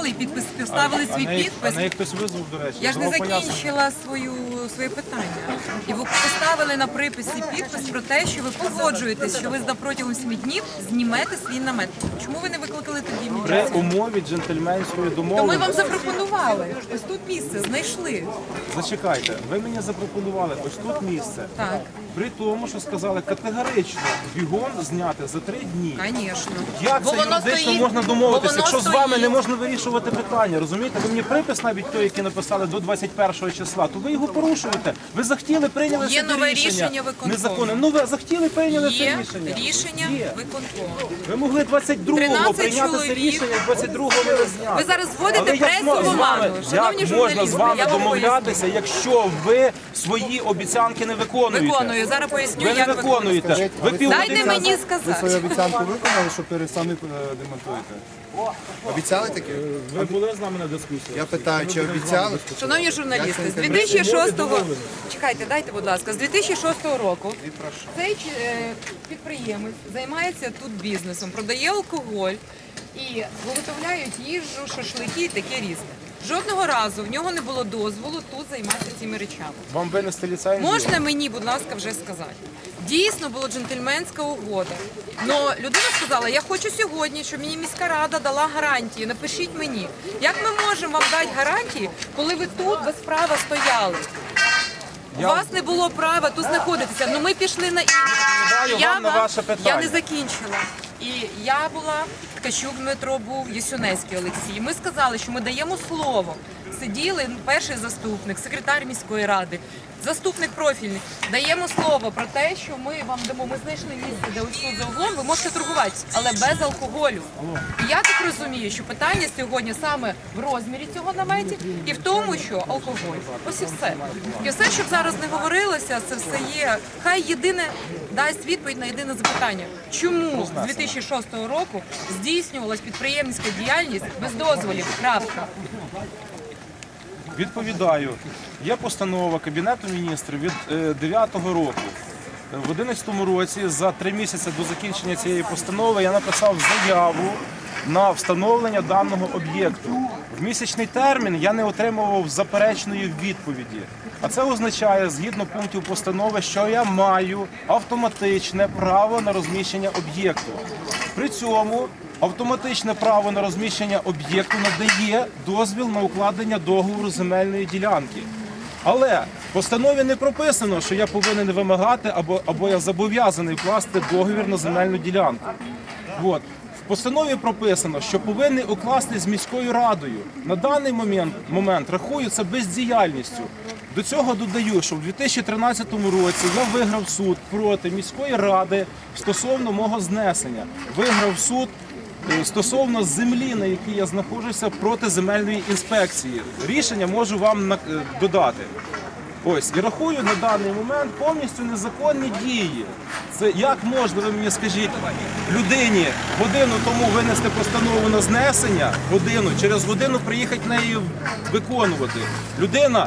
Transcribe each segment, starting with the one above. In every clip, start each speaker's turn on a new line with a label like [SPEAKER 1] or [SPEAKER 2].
[SPEAKER 1] підписали і поставили свій підпис.
[SPEAKER 2] А неї хтось визвав, до речі.
[SPEAKER 1] Я ж не закінчила своє питання. І ви поставили на приписі підпис про те, що ви погоджуєтесь, що ви протягом 7 днів знімете свій намет. Чому ви не викликали тоді
[SPEAKER 2] При
[SPEAKER 1] міліцію?
[SPEAKER 2] умові джентльменської
[SPEAKER 1] То ми
[SPEAKER 2] домовленості.
[SPEAKER 1] вам запропонували. Ось тут місце знайшли.
[SPEAKER 2] Зачекайте, ви мені запропонували ось тут місце.
[SPEAKER 1] Так,
[SPEAKER 2] При тому, що сказали категорично бігом зняти за 3 дні.
[SPEAKER 1] звісно.
[SPEAKER 2] Як
[SPEAKER 1] Бо
[SPEAKER 2] це
[SPEAKER 1] воно
[SPEAKER 2] юридично
[SPEAKER 1] стоїть-
[SPEAKER 2] можна
[SPEAKER 1] бо
[SPEAKER 2] домовитися,
[SPEAKER 1] воно
[SPEAKER 2] якщо з вами
[SPEAKER 1] стоїть.
[SPEAKER 2] не можна вирішувати питання, розумієте? Ви мені припис навіть той, який написали до 21 числа, то ви його порушуєте. Ви захотіли, прийняли
[SPEAKER 1] Є
[SPEAKER 2] собі
[SPEAKER 1] нове
[SPEAKER 2] рішення.
[SPEAKER 1] рішення виконкому.
[SPEAKER 2] Незаконне. Ну ви захотіли, прийняли це
[SPEAKER 1] Є
[SPEAKER 2] рішення.
[SPEAKER 1] рішення
[SPEAKER 2] Є.
[SPEAKER 1] виконкому.
[SPEAKER 2] Ви могли 22-го
[SPEAKER 1] 13
[SPEAKER 2] прийняти це
[SPEAKER 1] чоловік.
[SPEAKER 2] рішення, 22-го не зняти.
[SPEAKER 1] Ви зараз вводите
[SPEAKER 2] Але як
[SPEAKER 1] пресу в
[SPEAKER 2] з вами-
[SPEAKER 1] оману. Шановні
[SPEAKER 2] як можна
[SPEAKER 1] журналісти,
[SPEAKER 2] з вами
[SPEAKER 1] я вам
[SPEAKER 2] домовлятися, якщо ви свої обіцянки не виконуєте?
[SPEAKER 1] Виконую. Зараз поясню,
[SPEAKER 2] Ви не
[SPEAKER 1] як
[SPEAKER 2] виконуєте. Ви
[SPEAKER 1] Дайте
[SPEAKER 2] півгодини
[SPEAKER 1] мені
[SPEAKER 3] Ви свою
[SPEAKER 1] сказати.
[SPEAKER 3] обіцянку виконали, що самі демонтуєте? Обіцяли таке?
[SPEAKER 2] Ви були з нами на дискусії?
[SPEAKER 3] Я питаю, чи обіцяли?
[SPEAKER 1] Шановні журналісти, з 2006-го, чекайте, дайте, будь ласка, з 2006 року цей підприємець займається тут бізнесом, продає алкоголь і виготовляють їжу, шашлики і таке різне. Жодного разу в нього не було дозволу тут займатися цими речами.
[SPEAKER 2] Вам винести ліцензію?
[SPEAKER 1] Можна мені, будь ласка, вже сказати? Дійсно була джентльменська угода. Но людина сказала, я хочу сьогодні, щоб мені міська рада дала гарантії. Напишіть мені. Як ми можемо вам дати гарантії, коли ви тут без права стояли? У вас не було права тут знаходитися. Ну ми пішли на інше.
[SPEAKER 2] Відповідаю вам на ваше питання.
[SPEAKER 1] Я не закінчила. І я була, Ткачук Дмитро був, Єсюнецький Олексій. Ми сказали, що ми даємо слово. Сиділи перший заступник, секретар міської ради, заступник профільний. Даємо слово про те, що ми вам дамо. Ми знайшли місце, де ось тут за углом ви можете торгувати, але без алкоголю. І я так розумію, що питання сьогодні саме в розмірі цього наметі і в тому, що алкоголь. Ось і все. І все, щоб зараз не говорилося, це все є. Хай єдине дасть відповідь на єдине запитання. Чому з 2006 року здійснювалась підприємницька діяльність без дозволів? Крапка.
[SPEAKER 2] Відповідаю. Є постанова Кабінету міністрів від 9-го року. В 2011 році, за 3 місяці до закінчення цієї постанови, я написав заяву на встановлення даного об'єкту. В місячний термін я не отримував заперечної відповіді. А це означає, згідно пунктів постанови, що я маю автоматичне право на розміщення об'єкту. При цьому автоматичне право на розміщення об'єкту надає дозвіл на укладення договору земельної ділянки. Але в постанові не прописано, що я повинен вимагати або я зобов'язаний вкласти договір на земельну ділянку. От. В постанові прописано, що повинні укласти з міською радою. На даний момент рахую це бездіяльністю. До цього додаю, що в 2013 році я виграв суд проти міської ради стосовно мого знесення. Виграв суд стосовно землі, на якій я знаходжуся, проти земельної інспекції. Рішення можу вам додати. Ось, і рахую на даний момент повністю незаконні дії. Це як можна, ви мені скажіть, людині годину тому винести постанову на знесення, через годину приїхати неї виконувати. Людина,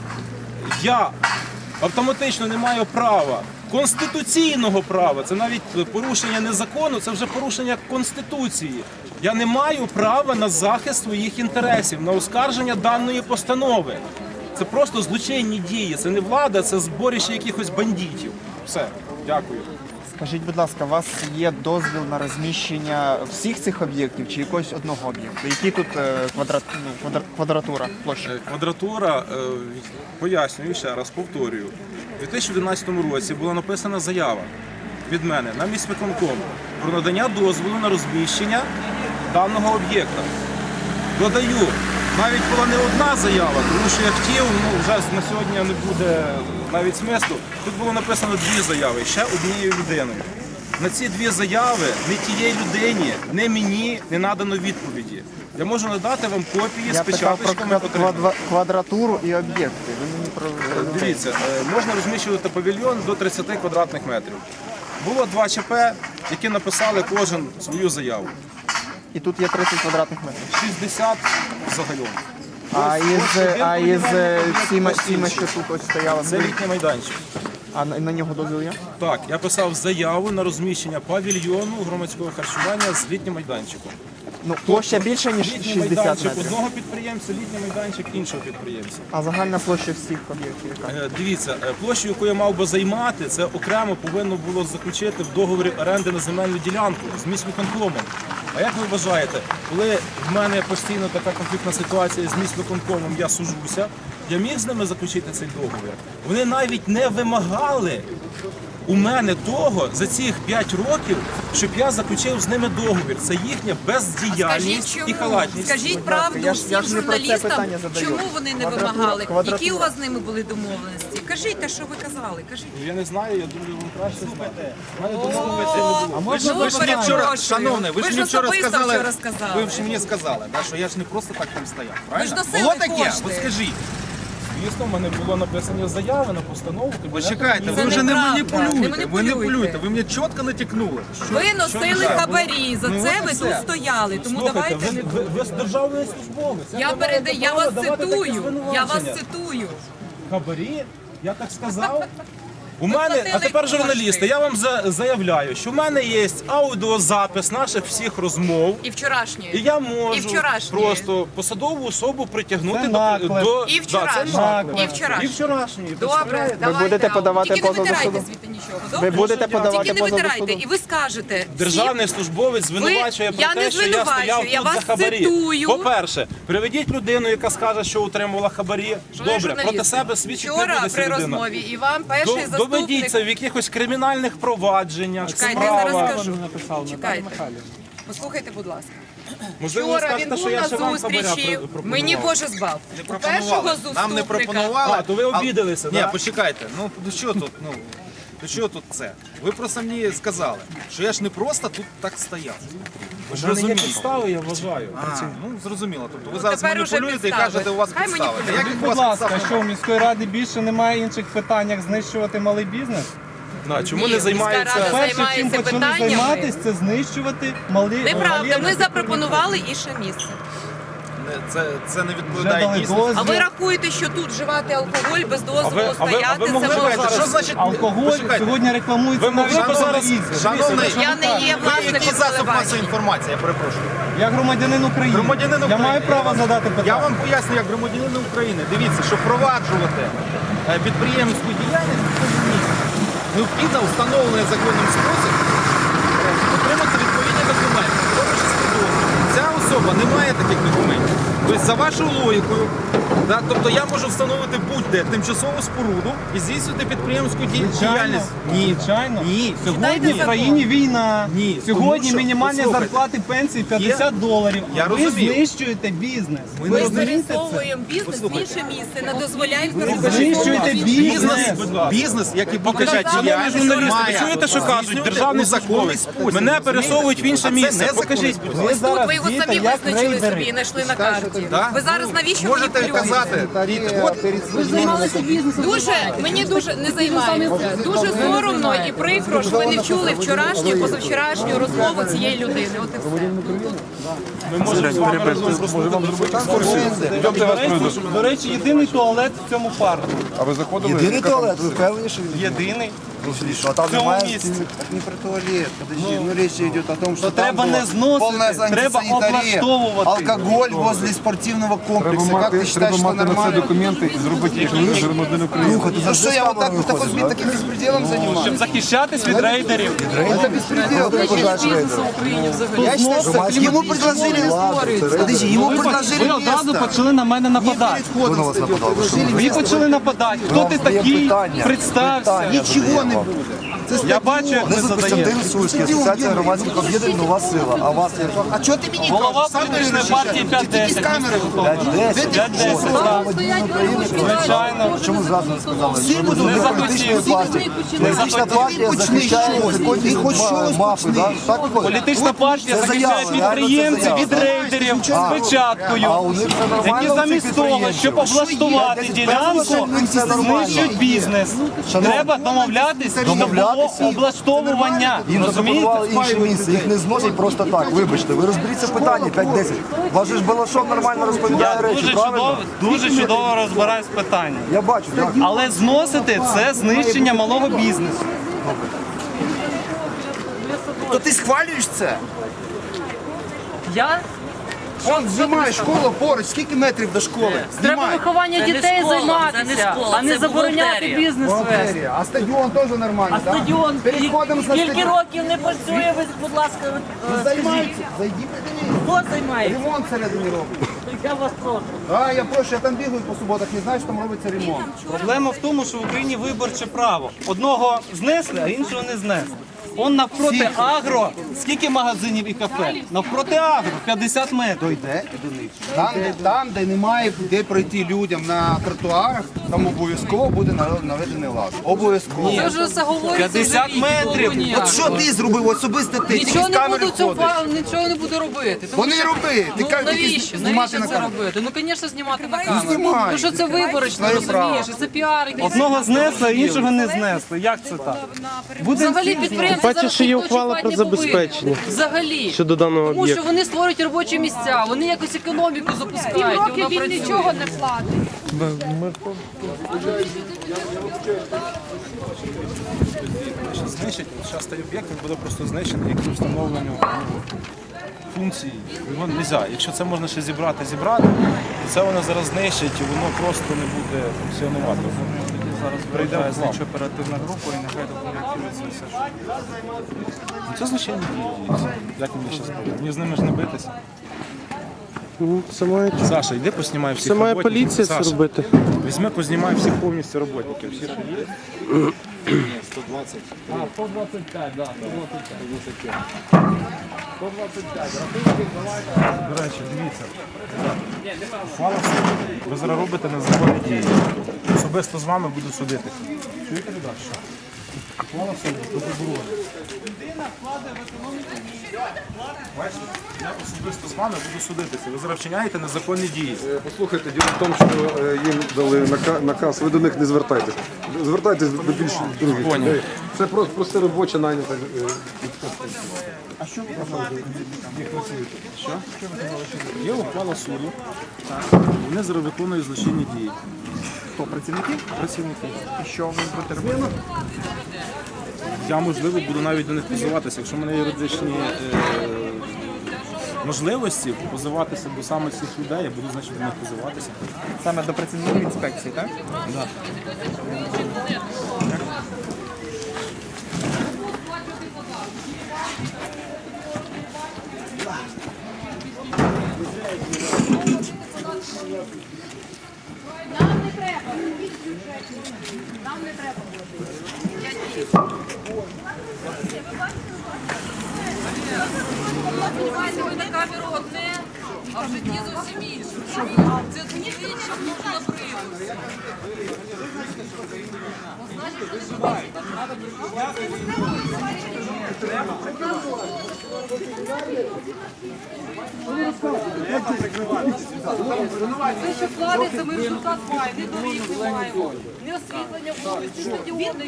[SPEAKER 2] я автоматично не маю права, конституційного права, це навіть порушення не закону, це вже порушення Конституції. Я не маю права на захист своїх інтересів, на оскарження даної постанови. Це просто злочинні дії, це не влада, це зборище якихось бандитів. Все, дякую.
[SPEAKER 4] Скажіть, будь ласка, у вас є дозвіл на всіх цих об'єктів чи якогось одного об'єкту? Які тут квадратура, площа?
[SPEAKER 2] Квадратура, пояснюю ще раз, повторюю. У 2011 році була написана заява від мене на міськвиконком про надання дозволу на розміщення даного об'єкта. Додаю, навіть була не одна заява, тому що я хотів, вже на сьогодні не буде навіть смислу. Тут було написано 2 заяви, ще однією людиною. На ці 2 заяви ні тієї людині, ні мені не надано відповіді. Я можу надати вам копії з
[SPEAKER 4] Я питав
[SPEAKER 2] печаточками.
[SPEAKER 4] про квадратуру і об'єкти. Ви мені про
[SPEAKER 2] Дивіться, можна розміщувати павільйон до 30 квадратних метрів. Було 2 ЧП, які написали кожен свою заяву.
[SPEAKER 4] І тут є 30 квадратних метрів.
[SPEAKER 2] 60 загалом.
[SPEAKER 4] А із цими, що тут ось стояло,
[SPEAKER 2] Це літній майданчик.
[SPEAKER 4] а на нього дозвіл є?
[SPEAKER 2] Так, я писав заяву на розміщення павільйону громадського харчування з літнім майданчиком.
[SPEAKER 4] Ну, площа більше, ніж
[SPEAKER 2] Літній
[SPEAKER 4] 60
[SPEAKER 2] майданчик
[SPEAKER 4] метрів.
[SPEAKER 2] одного підприємця, літній майданчик іншого підприємця.
[SPEAKER 4] А загальна площа всіх об'єктів яка?
[SPEAKER 2] Дивіться, площу, яку я мав би займати, це окремо повинно було заключити в договорі оренди на земельну ділянку з міськвиконкомом. А як ви вважаєте, коли в мене постійно така конфліктна ситуація з міськвиконкомом, я сужуся, я міг з ними заключити цей договір? Вони навіть не вимагали у мене того за цих 5 років, щоб я заключив з ними договір. Це їхня бездіяльність і халатність.
[SPEAKER 1] Скажіть правду
[SPEAKER 4] Я ж
[SPEAKER 1] всім
[SPEAKER 4] не про це
[SPEAKER 1] журналістам,
[SPEAKER 4] питання задаю.
[SPEAKER 1] чому вони не
[SPEAKER 4] Квадратура-
[SPEAKER 1] вимагали,
[SPEAKER 4] квадратура.
[SPEAKER 1] які у вас з ними були домовленості. Кажіть те, що ви казали, кажіть.
[SPEAKER 2] Я не знаю, я думаю, вам краще знати. У мене домовленості не було.
[SPEAKER 3] Ви ж
[SPEAKER 1] Ну,
[SPEAKER 3] мені вчора,
[SPEAKER 1] перепрошую.
[SPEAKER 3] шановний, ви ж мені вчора
[SPEAKER 1] особисто
[SPEAKER 3] сказали,
[SPEAKER 1] вчора сказали.
[SPEAKER 3] ви ж мені сказали, да, що я ж не просто так там стояв,
[SPEAKER 1] Ви ж
[SPEAKER 3] правильно?
[SPEAKER 1] носили
[SPEAKER 3] Було таке?
[SPEAKER 1] кошти.
[SPEAKER 3] От скажіть.
[SPEAKER 2] Звісно, в мене було написані заяви на постанову. Кабінету
[SPEAKER 3] Почекайте,
[SPEAKER 1] Це
[SPEAKER 3] ви вже не
[SPEAKER 1] неправда,
[SPEAKER 3] маніпулюєте,
[SPEAKER 1] не
[SPEAKER 3] ви
[SPEAKER 1] маніпулюєте.
[SPEAKER 3] маніпулюєте, ви мені чітко натякнули.
[SPEAKER 1] Ви носили хабарі, за
[SPEAKER 3] Ну,
[SPEAKER 1] це
[SPEAKER 3] от
[SPEAKER 1] ви
[SPEAKER 3] і
[SPEAKER 1] тут
[SPEAKER 3] все.
[SPEAKER 1] стояли, тому
[SPEAKER 2] Слухайте,
[SPEAKER 1] давайте не
[SPEAKER 2] ви державний службовець.
[SPEAKER 1] я вас цитую.
[SPEAKER 2] Хабарі? Я так сказав? У мене,
[SPEAKER 1] платили
[SPEAKER 2] а тепер
[SPEAKER 1] кошти.
[SPEAKER 2] журналісти, я вам заявляю, що в мене є аудіозапис наших всіх розмов.
[SPEAKER 1] І вчорашнє.
[SPEAKER 2] І я
[SPEAKER 1] І
[SPEAKER 2] можу
[SPEAKER 1] вчорашнє.
[SPEAKER 2] просто посадову особу притягнути
[SPEAKER 4] Це
[SPEAKER 2] до
[SPEAKER 4] наклеп.
[SPEAKER 1] І
[SPEAKER 2] Да,
[SPEAKER 1] вчорашнє.
[SPEAKER 2] це наклеп.
[SPEAKER 1] І вчорашнє.
[SPEAKER 2] І вчорашній.
[SPEAKER 1] Добре, давайте.
[SPEAKER 4] будете подавати
[SPEAKER 1] Тільки не
[SPEAKER 4] позов до
[SPEAKER 1] витирайте
[SPEAKER 4] суду?
[SPEAKER 1] звідти нічого.
[SPEAKER 4] Ви
[SPEAKER 1] Добре?
[SPEAKER 4] будете подавати
[SPEAKER 1] Тільки не
[SPEAKER 4] позов до
[SPEAKER 1] витирайте.
[SPEAKER 4] суду?
[SPEAKER 1] І ви скажете.
[SPEAKER 2] Державний службовець звинувачує
[SPEAKER 1] я
[SPEAKER 2] про
[SPEAKER 1] не
[SPEAKER 2] те, що я
[SPEAKER 1] звинувачую,
[SPEAKER 2] стояв
[SPEAKER 1] я
[SPEAKER 2] тут
[SPEAKER 1] вас
[SPEAKER 2] за хабарі.
[SPEAKER 1] цитую.
[SPEAKER 2] По-перше, приведіть людину, яка скаже, що утримувала хабарі. Добре,
[SPEAKER 1] журналісти,
[SPEAKER 2] проти себе свідчить не
[SPEAKER 1] вчора
[SPEAKER 2] буде
[SPEAKER 1] при
[SPEAKER 2] ця людина.
[SPEAKER 1] розмові і вам перший
[SPEAKER 2] Доведіть
[SPEAKER 1] заступник.
[SPEAKER 2] це в якихось кримінальних провадженнях,
[SPEAKER 1] Чекайте, я зараз
[SPEAKER 2] справах.
[SPEAKER 1] скажу. Чекайте. Послухайте, будь ласка.
[SPEAKER 2] Можливо, ви
[SPEAKER 1] Вчора він
[SPEAKER 2] скажете, що
[SPEAKER 1] був
[SPEAKER 2] я
[SPEAKER 1] на
[SPEAKER 2] ще вам хабаря
[SPEAKER 1] зустрічі.
[SPEAKER 2] пропонував.
[SPEAKER 1] Мені Боже збав. У першого
[SPEAKER 3] Пропонували. Нам не
[SPEAKER 1] заступника.
[SPEAKER 3] пропонували.
[SPEAKER 2] А, то ви обідалися,
[SPEAKER 3] Ні,
[SPEAKER 2] да?
[SPEAKER 3] почекайте, ну до чого тут, до чого тут це? Ви просто мені сказали, що я ж не просто тут так стояв. Ви ж
[SPEAKER 2] У мене є
[SPEAKER 3] розумієте?
[SPEAKER 2] підстави, я вважаю.
[SPEAKER 3] Ну, зрозуміло. Тобто ви зараз
[SPEAKER 1] тепер уже
[SPEAKER 3] маніпулюєте і
[SPEAKER 1] підстави.
[SPEAKER 3] кажете, у вас
[SPEAKER 1] Хай
[SPEAKER 3] підстави.
[SPEAKER 1] маніпулюють.
[SPEAKER 3] Яких у
[SPEAKER 5] Будь
[SPEAKER 3] вас
[SPEAKER 5] ласка,
[SPEAKER 3] підстав
[SPEAKER 5] що в міської ради більше немає інших питань, як знищувати малий бізнес?
[SPEAKER 2] Да, чому
[SPEAKER 1] Ні,
[SPEAKER 2] не
[SPEAKER 1] міська
[SPEAKER 2] займається?
[SPEAKER 1] рада
[SPEAKER 5] Перше, чим
[SPEAKER 1] займається
[SPEAKER 5] почали
[SPEAKER 1] питаннями.
[SPEAKER 5] займатися, це знищувати малі
[SPEAKER 1] Неправда, ми запропонували інше місце.
[SPEAKER 3] Це не
[SPEAKER 5] вже
[SPEAKER 3] відповідає
[SPEAKER 5] дали
[SPEAKER 3] дійсності.
[SPEAKER 1] А ви
[SPEAKER 5] дозвіл.
[SPEAKER 1] рахуєте, що тут вживати алкоголь без дозволу
[SPEAKER 2] А ви
[SPEAKER 1] стояти,
[SPEAKER 2] могли
[SPEAKER 1] це
[SPEAKER 2] б
[SPEAKER 1] можна?
[SPEAKER 2] зараз-
[SPEAKER 3] Що значить
[SPEAKER 5] Алкоголь
[SPEAKER 3] Почекайте.
[SPEAKER 5] сьогодні рекламується
[SPEAKER 2] Ви
[SPEAKER 5] на
[SPEAKER 2] могли б зараз-
[SPEAKER 5] телевізорі.
[SPEAKER 3] Шановний,
[SPEAKER 1] Я не є
[SPEAKER 3] ви який
[SPEAKER 1] власником
[SPEAKER 3] засіб масової
[SPEAKER 1] телебачення.
[SPEAKER 3] інформації, я перепрошую.
[SPEAKER 5] Я громадянин України.
[SPEAKER 3] Громадянин
[SPEAKER 5] Я
[SPEAKER 3] України.
[SPEAKER 5] маю право задати питання.
[SPEAKER 3] Я вам поясню, як громадянин України. Дивіться, щоб впроваджувати підприємницьку діяльність в цьому місці, необхідно встановлений законним спосіб отримати відповідні документи. В тому числі дозвіл. Ця особа не має таких документів. Тобто, за вашою логікою, да, тобто я можу встановити будь-де тимчасову споруду і здійснювати підприємську діяльність. Ні,
[SPEAKER 5] Звичайно.
[SPEAKER 3] ні.
[SPEAKER 5] Сьогодні в країні війна.
[SPEAKER 3] Ні,
[SPEAKER 5] Сьогодні
[SPEAKER 3] тому що,
[SPEAKER 5] мінімальні
[SPEAKER 3] послухайте,
[SPEAKER 5] зарплати пенсії $50.
[SPEAKER 3] Я
[SPEAKER 5] А ви
[SPEAKER 3] розумію.
[SPEAKER 5] знищуєте бізнес.
[SPEAKER 3] Ми
[SPEAKER 5] Ви
[SPEAKER 3] не
[SPEAKER 5] розумієте це?
[SPEAKER 1] Пересовуємо бізнес в інше місце, не дозволяємо
[SPEAKER 5] знищуєте
[SPEAKER 3] Бізнес,
[SPEAKER 5] Будь
[SPEAKER 2] ласка.
[SPEAKER 3] бізнес, як і будь-яка
[SPEAKER 1] Показали
[SPEAKER 3] діяльність,
[SPEAKER 2] журналісти,
[SPEAKER 3] має
[SPEAKER 2] ви чуєте, що кажуть?
[SPEAKER 3] здійснювати
[SPEAKER 2] Державний
[SPEAKER 3] у законний
[SPEAKER 2] службовець.
[SPEAKER 3] спосіб.
[SPEAKER 2] Мене пересовують в інше
[SPEAKER 3] А це
[SPEAKER 2] місце.
[SPEAKER 3] незаконний
[SPEAKER 2] Покажіть,
[SPEAKER 3] спосіб.
[SPEAKER 5] Ви
[SPEAKER 1] Тут
[SPEAKER 5] зараз
[SPEAKER 1] ви його
[SPEAKER 5] дієте
[SPEAKER 1] самі
[SPEAKER 5] як
[SPEAKER 1] визначили
[SPEAKER 5] рейдери.
[SPEAKER 1] собі і знайшли на карті.
[SPEAKER 3] Да?
[SPEAKER 1] Ви зараз навіщо
[SPEAKER 3] Можете
[SPEAKER 1] маніпулюєте?
[SPEAKER 3] казати,
[SPEAKER 1] Мені дуже не займається. Дуже соромно і прикро, що ви не чули вчорашню, позавчорашню розмову цієї людини. От і все.
[SPEAKER 2] ми можемо з вами разом зробити екскурсію.
[SPEAKER 5] До речі, єдиний туалет в цьому парку.
[SPEAKER 6] А ви заходили?
[SPEAKER 7] Єдиний туалет, ви впевнені, що він
[SPEAKER 5] Єдиний.
[SPEAKER 7] що а там
[SPEAKER 5] В цьому
[SPEAKER 7] немає?
[SPEAKER 5] місці.
[SPEAKER 7] Так не про туалет, подожди, ну речь идет о том, что
[SPEAKER 5] То
[SPEAKER 7] там
[SPEAKER 5] треба
[SPEAKER 7] была
[SPEAKER 5] не зносити,
[SPEAKER 7] полная
[SPEAKER 5] треба
[SPEAKER 7] антисанитария,
[SPEAKER 5] облаштовувати.
[SPEAKER 7] алкоголь возле спортивного комплекса.
[SPEAKER 6] Треба
[SPEAKER 7] Как ты
[SPEAKER 6] мати,
[SPEAKER 7] считаешь,
[SPEAKER 6] треба
[SPEAKER 7] что
[SPEAKER 6] мати на це
[SPEAKER 7] нормально?
[SPEAKER 6] документи і зробити їх громадянин України.
[SPEAKER 7] Ну что я вот так вот таким беспределом занимаюсь?
[SPEAKER 5] Щоб захищатись від рейдерів.
[SPEAKER 7] Это беспредел, ты пугаешь рейдеров. Я считаю, что ему предложили, подожди, ему
[SPEAKER 5] Ви
[SPEAKER 7] предложили
[SPEAKER 5] одразу
[SPEAKER 7] место.
[SPEAKER 5] почали на мене нападати.
[SPEAKER 7] Перед входом
[SPEAKER 6] вас
[SPEAKER 7] стадион
[SPEAKER 6] нападав?
[SPEAKER 7] предложили
[SPEAKER 5] Ви
[SPEAKER 7] место.
[SPEAKER 5] почали нападати. Хто ти такий? Представся.
[SPEAKER 7] Ничего не буде. Це
[SPEAKER 5] Я бачу, як ви
[SPEAKER 7] стадіон.
[SPEAKER 5] задаєте.
[SPEAKER 7] Костянтин Сульський, Асоціація громадських об'єднань «Нова сила». А вас як?
[SPEAKER 3] а чого ти мені
[SPEAKER 5] Голова
[SPEAKER 3] кажеш? Сам
[SPEAKER 5] політичної
[SPEAKER 3] вирішиш.
[SPEAKER 5] партії
[SPEAKER 3] Чи ти якісь
[SPEAKER 5] 5-10.
[SPEAKER 3] камери?
[SPEAKER 5] 5-10, так. Звичайно.
[SPEAKER 7] Чому зразу не сказали?
[SPEAKER 3] Всі
[SPEAKER 7] Що
[SPEAKER 3] будуть
[SPEAKER 7] ви
[SPEAKER 5] не
[SPEAKER 7] політичної
[SPEAKER 5] захотів.
[SPEAKER 7] партії. Політична партія захищає
[SPEAKER 3] Ти хоч щось
[SPEAKER 7] мафи,
[SPEAKER 3] почни.
[SPEAKER 7] да? Так виходить?
[SPEAKER 5] Політична партія
[SPEAKER 7] Це
[SPEAKER 5] захищає
[SPEAKER 7] заява,
[SPEAKER 5] підприємців
[SPEAKER 7] реально,
[SPEAKER 5] від
[SPEAKER 7] це заява.
[SPEAKER 5] рейдерів з
[SPEAKER 7] А
[SPEAKER 5] печаткою,
[SPEAKER 7] у них це нормально,
[SPEAKER 5] які
[SPEAKER 7] у цих
[SPEAKER 5] замість того,
[SPEAKER 7] підприємців?
[SPEAKER 5] щоб облаштувати ділянку,
[SPEAKER 7] Це нормально.
[SPEAKER 5] знищують бізнес.
[SPEAKER 7] Шановні,
[SPEAKER 5] Треба домовлятись, щоб було
[SPEAKER 7] домовлятися.
[SPEAKER 5] облаштовування.
[SPEAKER 7] Їм
[SPEAKER 5] Розумієте?
[SPEAKER 7] запропонували інше місце, їх не зносять просто так. Вибачте, ви розберіться в питанні 5-10. Вас же ж Балашов нормально розповідає
[SPEAKER 5] Я
[SPEAKER 7] речі, правильно?
[SPEAKER 5] дуже чудово розбираюсь в питанні.
[SPEAKER 7] Я бачу, так.
[SPEAKER 5] Але зносити це знищення малого бізнесу.
[SPEAKER 7] То ти схвалюєш це?
[SPEAKER 8] Я?
[SPEAKER 7] Он знімає школу поруч, скільки метрів до школи?
[SPEAKER 8] Треба
[SPEAKER 7] Знімає.
[SPEAKER 8] виховання
[SPEAKER 9] Це не
[SPEAKER 8] дітей
[SPEAKER 9] школа, це не
[SPEAKER 8] займатися,
[SPEAKER 9] школа,
[SPEAKER 8] а не
[SPEAKER 9] це
[SPEAKER 8] забороняти
[SPEAKER 9] бухгалтерія.
[SPEAKER 8] бізнес вести.
[SPEAKER 7] Бухгалтерія. А стадіон теж нормальний,
[SPEAKER 8] А
[SPEAKER 7] так?
[SPEAKER 8] стадіон
[SPEAKER 7] Переходимо за
[SPEAKER 8] скільки
[SPEAKER 7] стадіон.
[SPEAKER 8] років не працює, ви, будь ласка,
[SPEAKER 7] Займаються. Зайди, подивись.
[SPEAKER 8] хто займається?
[SPEAKER 7] Ремонт всередині робить.
[SPEAKER 8] Я вас прошу.
[SPEAKER 7] Я прошу, я там бігаю по суботах, не знаю, що там робиться ремонт.
[SPEAKER 5] Проблема в тому, що в Україні виборче право. Одного знесли, а іншого не знесли. Он навпроти агро, скільки магазинів і кафе? Навпроти агро, 50 метрів.
[SPEAKER 7] Йде до них. Там, де немає де пройти людям на тротуарах, там обов'язково буде наведений лад. Обов'язково.
[SPEAKER 8] Це вже все говориться.
[SPEAKER 5] 50 метрів.
[SPEAKER 7] От що ти зробив особисто ти? Тільки
[SPEAKER 8] Нічого
[SPEAKER 7] з
[SPEAKER 8] не
[SPEAKER 7] камери
[SPEAKER 8] буду
[SPEAKER 7] ходиш.
[SPEAKER 8] нічого не буду робити. Тому
[SPEAKER 7] Вони
[SPEAKER 8] що-
[SPEAKER 7] роби. Ти
[SPEAKER 8] Ну
[SPEAKER 7] кажеш, тільки
[SPEAKER 8] навіщо?
[SPEAKER 7] знімати
[SPEAKER 8] Навіщо
[SPEAKER 7] на
[SPEAKER 8] це
[SPEAKER 7] камеру.
[SPEAKER 8] робити? Ну, звісно, знімати на камеру.
[SPEAKER 7] знімай.
[SPEAKER 8] Ну що це виборочно,
[SPEAKER 7] Своє право.
[SPEAKER 8] розумієш? І це піар. якийсь.
[SPEAKER 5] Одного знесли, а іншого не знесли. Як це так?
[SPEAKER 8] Взагалі підприємці
[SPEAKER 10] Бачиш,
[SPEAKER 8] зараз
[SPEAKER 10] що є
[SPEAKER 8] ніхто
[SPEAKER 10] ухвала
[SPEAKER 8] чіпати
[SPEAKER 10] про
[SPEAKER 8] не
[SPEAKER 10] забезпечення
[SPEAKER 8] повинен. Взагалі.
[SPEAKER 10] щодо даного
[SPEAKER 8] Тому що
[SPEAKER 10] об'єкту.
[SPEAKER 8] вони створюють робочі місця, вони якось економіку запускають. і вона працює.
[SPEAKER 1] не платить.
[SPEAKER 2] Знищить, зараз цей об'єкт він буде просто знищений, як встановленню функції. Його не можна. Якщо це можна ще зібрати, то це воно зараз знищить і воно просто не буде функціонувати. Зараз прийде слідчо оперативна група і нехай документується все. Це злочинні дії. Як мені ще сказати? Мені з ними ж не битися.
[SPEAKER 10] Це має,
[SPEAKER 2] Саша, йди поснімай всіх
[SPEAKER 10] це має
[SPEAKER 2] роботників.
[SPEAKER 10] поліція це
[SPEAKER 2] Саша,
[SPEAKER 10] робити.
[SPEAKER 2] візьми, познімай всіх повністю роботників. Всі, що є. 120.
[SPEAKER 5] 125, так, 125.
[SPEAKER 2] До речі, дивіться. Ухвала в суді. Ви зараз робите незаконні дії. Особисто з вами буду судити. Чуєте, ребят, що? Ухвала в суді, до поборони. Бачите? Я особисто з вами буду судитися. Ви зараз вчиняєте незаконні дії.
[SPEAKER 6] Послухайте, діло в тому, що їм дали наказ, ви до них не звертайтесь. Звертайтесь до більш других.
[SPEAKER 2] Поняв.
[SPEAKER 6] людей. Це просто робоча найнята.
[SPEAKER 2] Є ухвала суду. Вони зараз виконують злочинні дії.
[SPEAKER 4] Хто, працівники?
[SPEAKER 2] Працівники.
[SPEAKER 4] І що ви будете робити?
[SPEAKER 2] Я, можливо, буду навіть до них позиватися. Якщо в мене є юридичні можливості позиватися до саме цих людей, я буду, значить, до них позиватися.
[SPEAKER 4] Саме до працівників інспекції, так?
[SPEAKER 2] Да.
[SPEAKER 1] Ви на камеру одне, а в житті зовсім інше. Це двічі можна привоз. Те, що вкладається, ми результат маємо, не доріг не маємо, не освітлення вулиці, стадіони,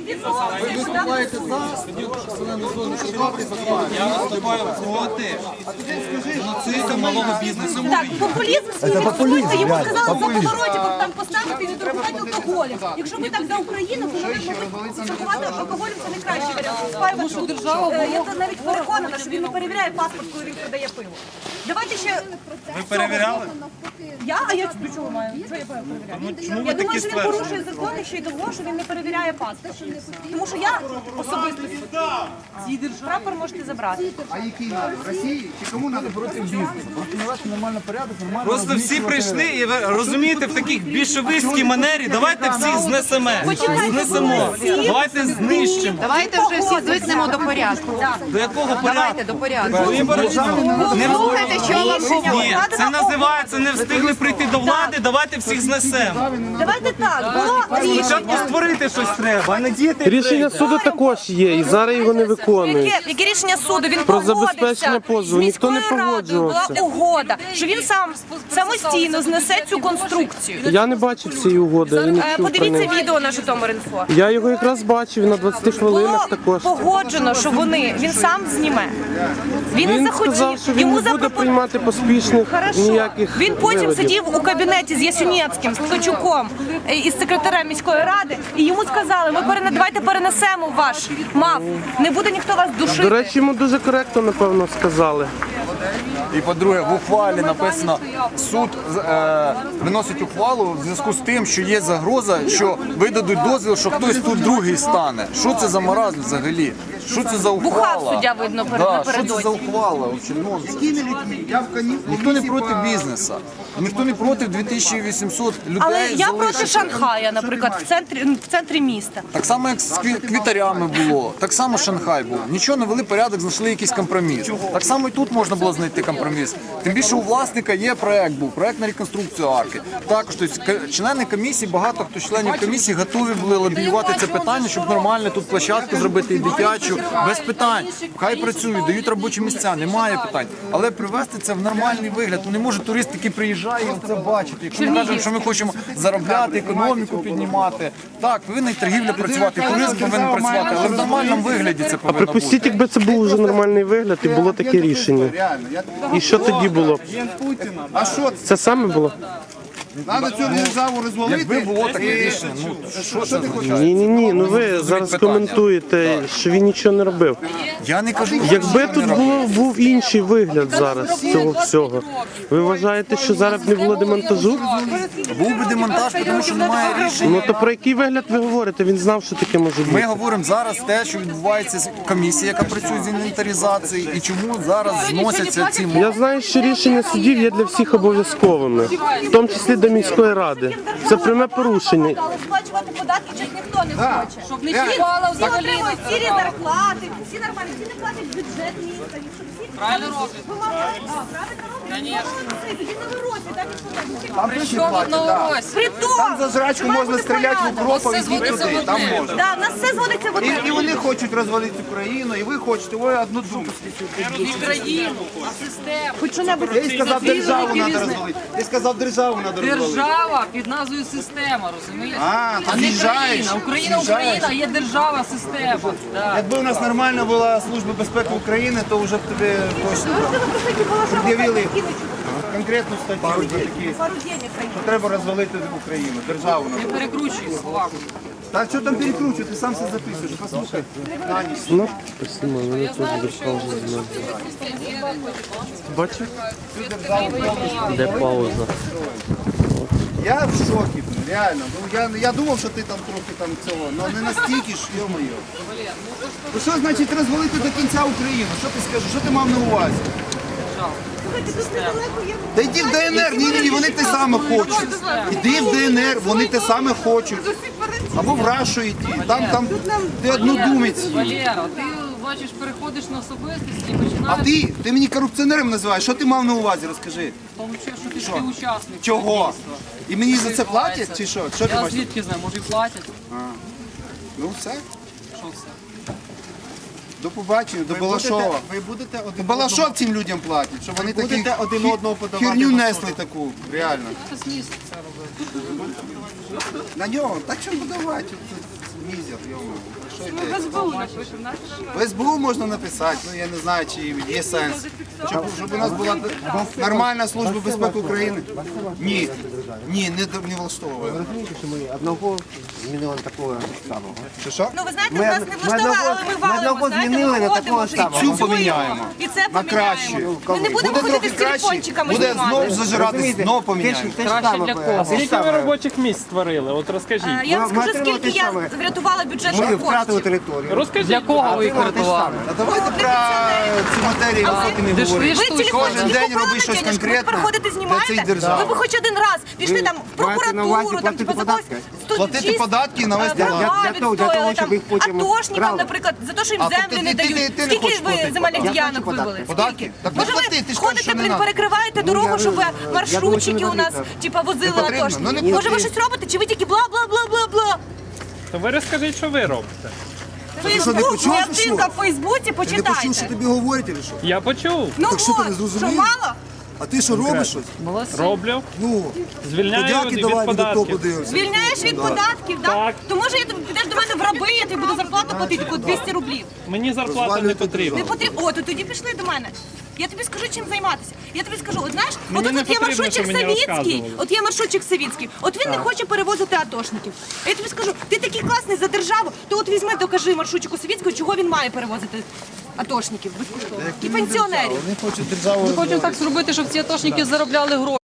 [SPEAKER 5] Я виступаю проти геноциду малого бізнесу.
[SPEAKER 11] Так, популізм свій відсутній, йому сказали за повороті, там поставити і не торгувати алкоголем. Якщо ми так за Україну, то ми торгувати алкоголем це не кращий варіант. Тому що держава, я навіть переконана, що він не перевіряє паспорт, коли він продає пиво. Давайте ще...
[SPEAKER 5] Ви перевіряли?
[SPEAKER 11] А я до чого маю? Що я перевіряю?
[SPEAKER 5] Чому ви
[SPEAKER 11] Я
[SPEAKER 5] такі
[SPEAKER 11] думаю, що він
[SPEAKER 5] стверджуєте?
[SPEAKER 11] порушує закон ще й того, що він не перевіряє паспорт. Тому що я особисто прапор можете забрати.
[SPEAKER 7] А який надо? Росії? Чи кому треба проти бізнесу? Просто навести нормальний порядок, нормально
[SPEAKER 5] Просто всі прийшли і ви розумієте, в такій більшовицькій манері. Давайте всіх знесемо. Знесемо. Давайте знищимо.
[SPEAKER 1] Давайте вже всі звикнемо до порядку.
[SPEAKER 5] До якого порядку?
[SPEAKER 1] До порядку.
[SPEAKER 5] Не
[SPEAKER 11] Слухайте, що вам
[SPEAKER 5] Ні, це називається не встигли прийти до влади, давайте всіх знесемо.
[SPEAKER 11] Давайте так, було рішення.
[SPEAKER 5] Спочатку створити щось треба, а не діяти.
[SPEAKER 10] Рішення суду також є, і зараз його не виконують.
[SPEAKER 11] Яке рішення суду? Він
[SPEAKER 10] Про
[SPEAKER 11] погодився
[SPEAKER 10] забезпечення позову.
[SPEAKER 11] з
[SPEAKER 10] Ніхто не
[SPEAKER 11] міською радою.
[SPEAKER 10] погоджувався.
[SPEAKER 11] Була угода, що він сам самостійно знесе цю конструкцію.
[SPEAKER 10] Я не бачив цієї угоди, я не чув про
[SPEAKER 11] Подивіться
[SPEAKER 10] неї.
[SPEAKER 11] відео на Житомир.Інфо.
[SPEAKER 10] Я його якраз бачив на 20 хвилинах також.
[SPEAKER 11] Погоджено, що він сам зніме. Він не
[SPEAKER 10] Він
[SPEAKER 11] захотів.
[SPEAKER 10] сказав, що він
[SPEAKER 11] Йому
[SPEAKER 10] не буде
[SPEAKER 11] запропонували.
[SPEAKER 10] приймати поспішних
[SPEAKER 11] Хорошо.
[SPEAKER 10] ніяких
[SPEAKER 11] Він потім
[SPEAKER 10] виводів.
[SPEAKER 11] сидів у кабінеті з Ясюнєцьким, з Ткачуком із секретарем міської ради, і йому сказали, давайте перенесемо ваш МАФ, не буде ніхто вас
[SPEAKER 10] До
[SPEAKER 11] душити.
[SPEAKER 10] речі, йому дуже коректно, напевно, сказали.
[SPEAKER 7] І по-друге, в ухвалі написано, суд виносить ухвалу в зв'язку з тим, що є загроза, що видадуть дозвіл, що хтось тут другий стане. Що це за маразм взагалі? Що це за ухвала?
[SPEAKER 11] Бухав суддя, видно,
[SPEAKER 7] Що це за ухвала? Ніхто не проти бізнесу, ніхто не проти 2800 людей.
[SPEAKER 11] Але я проти
[SPEAKER 7] залишити.
[SPEAKER 11] Шанхая, наприклад, в центрі міста.
[SPEAKER 7] Так само, як з квітарями було, так само Шанхай був. Нічого не вели порядок, знайшли якийсь компроміс. Так само і тут можна було знайти компроміс. Тим більше у власника є проект на реконструкцію арки. Також тобто, члени комісії, багато хто членів комісії готові були лобіювати це питання, щоб нормально тут площадку зробити і дитячу, без питань. Хай працюють, дають робочі місця, немає питань. Але привести це в нормальний вигляд. Ну, не може турист, який приїжджає, і це бачити. Якщо ми кажемо, що ми хочемо заробляти, економіку піднімати, так, повинна і торгівля працювати, і туризм повинен працювати, але в нормальному вигляді це повинно бути.
[SPEAKER 10] Припустіть, якби це був вже нормальний вигляд і було таке рішення. І що тоді було?
[SPEAKER 7] А що це?
[SPEAKER 10] Це саме було?
[SPEAKER 7] Треба цю державу розвалити. Якби було таке рішення, ну що це означає?
[SPEAKER 10] Ні, ну ви зараз коментуєте, що він нічого не робив.
[SPEAKER 7] Я не кажу,
[SPEAKER 10] Якби тут був інший вигляд зараз цього всього, ви вважаєте, що зараз б не було демонтажу?
[SPEAKER 7] був би демонтаж, тому що немає рішення.
[SPEAKER 10] Ну то про який вигляд ви говорите? Він знав, що таке може
[SPEAKER 7] Ми
[SPEAKER 10] бути.
[SPEAKER 7] говоримо зараз те, що відбувається з комісією, яка працює з інвентаризації, і чому зараз зносяться ці
[SPEAKER 10] Я знаю, що рішення судів є для всіх обов'язковими, в тому числі до міської ради. Це пряме порушення.
[SPEAKER 11] Але сплачувати податки щось ніхто не хоче.
[SPEAKER 8] Щоб не чіпала
[SPEAKER 11] Всі
[SPEAKER 8] взагалі.
[SPEAKER 11] отримують цілі зарплати, всі нормальні, всі не платять бюджет міста, щоб всі
[SPEAKER 8] Правильно роблять.
[SPEAKER 11] вимагають. Правильно роблять. Молодці, тоді на виросі, так і що
[SPEAKER 8] Прийшов на урось.
[SPEAKER 11] Притом!
[SPEAKER 7] за жрачку можна стріляти в укропа,
[SPEAKER 8] Все
[SPEAKER 7] ідіть
[SPEAKER 8] зводиться
[SPEAKER 7] туди,
[SPEAKER 8] в
[SPEAKER 7] там
[SPEAKER 8] одне.
[SPEAKER 7] можна.
[SPEAKER 11] Да, в нас все зводиться в одне.
[SPEAKER 7] І вони хочуть розвалити Україну, і ви хочете, ой, одну думку.
[SPEAKER 8] І країну, а систему.
[SPEAKER 11] Хоч що-небудь.
[SPEAKER 7] Ти сказав, державу
[SPEAKER 8] Керівник.
[SPEAKER 7] треба розвалити. Ти сказав, державу треба розвалити.
[SPEAKER 8] Держава під назвою система, розумієш?
[SPEAKER 7] А, ти
[SPEAKER 8] А не
[SPEAKER 7] з'їжджаєш,
[SPEAKER 8] країна. Україна, є держава, система. Да.
[SPEAKER 7] Якби у нас нормальна була Служба безпеки України, то вже б тобі точно пред'явили конкретну статтю, такі,
[SPEAKER 11] Пару денег.
[SPEAKER 7] що треба розвалити Україну, державу.
[SPEAKER 8] Не перекручуй слова.
[SPEAKER 7] Та що там перекручувати, ти сам все записуєш, послухай. На ніч.
[SPEAKER 10] Ну, спасибо, мене теж без паузи знаю. Бачиш? Де пауза?
[SPEAKER 7] Я в шокі, реально. Ну, я думав, що ти там трохи там цього, але не настільки ж, йо-моє. Ну що значить розвалити до кінця Україну? Що ти скажеш? Що ти мав на увазі? Та йди в ДНР, ні, вони те саме хочуть. Іди в ДНР, вони те саме хочуть. Або в Рашу йти, там ти однодумець.
[SPEAKER 8] Валера, ти бачиш, переходиш на особистість і
[SPEAKER 7] А
[SPEAKER 8] починаєш
[SPEAKER 7] ти мене корупціонером називаєш, що ти мав на увазі, розкажи.
[SPEAKER 8] получати, що ти співучасник.
[SPEAKER 7] Чого? І мені за це платять чи що? Що ти
[SPEAKER 8] Я
[SPEAKER 7] бачиш?
[SPEAKER 8] звідки знаю, може і платять.
[SPEAKER 7] Ну все.
[SPEAKER 8] Що все?
[SPEAKER 7] До побачення, до Балашова.
[SPEAKER 4] Ви будете
[SPEAKER 7] До Балашов цим людям платять, щоб вони такі
[SPEAKER 4] будете один одного подавати
[SPEAKER 7] херню
[SPEAKER 4] в суд?
[SPEAKER 7] несли таку, реально.
[SPEAKER 8] Це сміст це робити.
[SPEAKER 7] На нього, так що подавати, мізер, йому. Що йде? В СБУ можна написати, ну я не знаю, чи є сенс. Щоб у нас була нормальна Служба безпеки України. Ні, не влаштовує.
[SPEAKER 4] розумієте, що ми одного змінили на такого самого.
[SPEAKER 7] Що?
[SPEAKER 11] Ну ви знаєте, нас не влаштували, але ми валимо, знаєте,
[SPEAKER 4] змінили на
[SPEAKER 11] ми
[SPEAKER 4] такого
[SPEAKER 11] ходимо,
[SPEAKER 4] самого.
[SPEAKER 7] Цю
[SPEAKER 11] працюємо.
[SPEAKER 7] поміняємо.
[SPEAKER 11] І це
[SPEAKER 7] На краще.
[SPEAKER 11] поміняємо. Ми не будемо
[SPEAKER 7] Буде
[SPEAKER 11] ходити
[SPEAKER 7] трохи
[SPEAKER 11] з
[SPEAKER 7] краще,
[SPEAKER 11] телефончиками
[SPEAKER 7] буде
[SPEAKER 11] знімати.
[SPEAKER 7] знов зажирати, знов поміняємо.
[SPEAKER 8] Краще для кого?
[SPEAKER 10] Скільки ви робочих місць створили? От розкажіть.
[SPEAKER 11] Я вам скажу,
[SPEAKER 4] отримали
[SPEAKER 11] скільки
[SPEAKER 4] те
[SPEAKER 11] я
[SPEAKER 4] саме.
[SPEAKER 11] врятувала бюджетних
[SPEAKER 4] Ми втратили
[SPEAKER 11] коштів.
[SPEAKER 4] територію.
[SPEAKER 10] Розкажіть.
[SPEAKER 8] Для кого ви їх рятували?
[SPEAKER 7] А давайте про ці матерії високі не
[SPEAKER 8] Ти ж
[SPEAKER 7] говорити.
[SPEAKER 8] ви
[SPEAKER 11] Ви
[SPEAKER 7] Кожен
[SPEAKER 11] телефончики
[SPEAKER 7] день
[SPEAKER 11] купили
[SPEAKER 7] роби щось
[SPEAKER 11] на денежку, ви
[SPEAKER 7] конкретне
[SPEAKER 11] приходите,
[SPEAKER 7] для цієї
[SPEAKER 11] знімаєте.
[SPEAKER 7] держави.
[SPEAKER 11] Ви б хоч один раз пішли там в
[SPEAKER 4] маєте на увазі
[SPEAKER 11] прокуратуру, там
[SPEAKER 4] платити
[SPEAKER 11] типа за когось
[SPEAKER 4] податки?
[SPEAKER 7] Платити податки і навести лад.
[SPEAKER 11] права
[SPEAKER 4] Для того,
[SPEAKER 11] відстояли,
[SPEAKER 4] щоб їх потім
[SPEAKER 11] атошникам,
[SPEAKER 4] брали.
[SPEAKER 11] наприклад, за те, що їм
[SPEAKER 7] А,
[SPEAKER 11] землю
[SPEAKER 7] тобто
[SPEAKER 11] не
[SPEAKER 7] ти не
[SPEAKER 11] дають.
[SPEAKER 7] хочеш
[SPEAKER 11] Скільки ви
[SPEAKER 7] платити
[SPEAKER 11] земельних
[SPEAKER 4] податки?
[SPEAKER 11] ділянок
[SPEAKER 4] Я плачу
[SPEAKER 11] вивели?
[SPEAKER 7] Податки?
[SPEAKER 11] Скільки?
[SPEAKER 7] Так не
[SPEAKER 11] Може
[SPEAKER 7] плати, ти
[SPEAKER 11] ви
[SPEAKER 7] ж
[SPEAKER 11] ходите,
[SPEAKER 7] кажеш, що не
[SPEAKER 11] блін,
[SPEAKER 7] надо.
[SPEAKER 11] перекриваєте дорогу, щоб маршрутчики у нас
[SPEAKER 4] потрібно.
[SPEAKER 11] типа возили
[SPEAKER 7] Не потрібно.
[SPEAKER 11] атошники?
[SPEAKER 7] Ну, не
[SPEAKER 11] Може ви
[SPEAKER 7] потрібно.
[SPEAKER 11] щось робите, чи ви тільки бла-бла-бла-бла-бла?
[SPEAKER 10] То ви розкажіть, що ви робите.
[SPEAKER 11] Фейсбук,
[SPEAKER 7] почув,
[SPEAKER 11] моя
[SPEAKER 7] що?
[SPEAKER 11] сторінка в Фейсбуці, почитайте.
[SPEAKER 7] тобі говорять, чи що?
[SPEAKER 10] Я почув.
[SPEAKER 11] Ну
[SPEAKER 7] Так що ти не
[SPEAKER 11] от,
[SPEAKER 7] зрозумів?
[SPEAKER 11] що мало?
[SPEAKER 7] А ти що робиш щось?
[SPEAKER 10] Роблю.
[SPEAKER 7] Ну,
[SPEAKER 10] Звільняю
[SPEAKER 7] подяки
[SPEAKER 10] від
[SPEAKER 7] давай від того
[SPEAKER 10] податків.
[SPEAKER 7] подивимося.
[SPEAKER 11] Звільняєш від податків, так?
[SPEAKER 10] Так.
[SPEAKER 11] То може я підеш до мене в раби, я тобі буду зарплату платити таку 200 рублів.
[SPEAKER 10] Мені зарплата не
[SPEAKER 7] Розвалюєте
[SPEAKER 10] потрібна.
[SPEAKER 11] Не потрібно. О, то тоді пішли до мене. Я тобі скажу, чим займатися. Я тобі скажу, от знаєш,
[SPEAKER 10] Мені
[SPEAKER 11] от
[SPEAKER 10] не
[SPEAKER 11] тут є
[SPEAKER 10] потрібно,
[SPEAKER 11] маршрутчик
[SPEAKER 10] щоб мені
[SPEAKER 11] Савіцький,
[SPEAKER 10] розказували.
[SPEAKER 11] от є маршрутчик Савіцький, от він не хоче перевозити атошників. А я тобі скажу, ти такий класний за державу, то от візьми, докажи маршрутчику Савіцького, чого він має перевозити атошників безкоштовно. І пенсіонерів.
[SPEAKER 8] Ми хочемо так зробити, щоб ці атошники заробляли гроші.